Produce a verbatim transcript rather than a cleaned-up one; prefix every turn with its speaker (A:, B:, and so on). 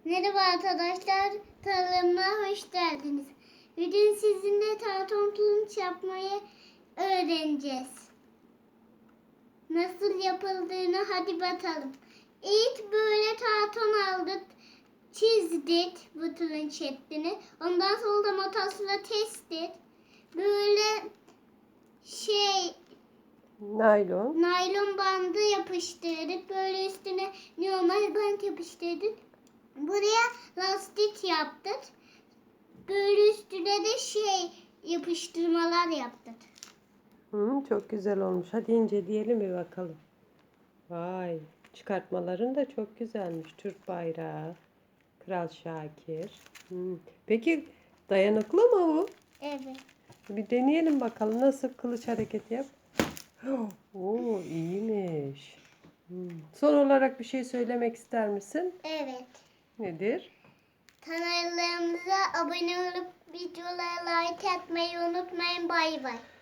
A: Merhaba arkadaşlar, kanalıma hoş geldiniz. Bugün sizinle karton tulumç yapmayı öğreneceğiz. Nasıl yapıldığını hadi bakalım. İlk böyle karton aldık, çizdik bu tulumç şeklini. Ondan sonra da makasla kestik. Böyle şey
B: Naylon.
A: naylon bandı yapıştırdık. Böyle üstüne normal bant yapıştırdık. Buraya lastik yaptık. Böyle üstüne de şey yapıştırmalar yaptık.
B: Hı, çok güzel olmuş. Hadi inceleyelim bir bakalım. Vay, çıkartmaların da çok güzelmiş. Türk bayrağı, Kral Şakir. Hı. Peki dayanıklı mı bu?
A: Evet.
B: Bir deneyelim bakalım. Nasıl kılıç hareketi yap. Oo, iyiymiş. Hı. Son olarak bir şey söylemek ister misin?
A: Evet.
B: Nedir?
A: Kanallarımıza abone olup videolara like atmayı unutmayın. Bay bay.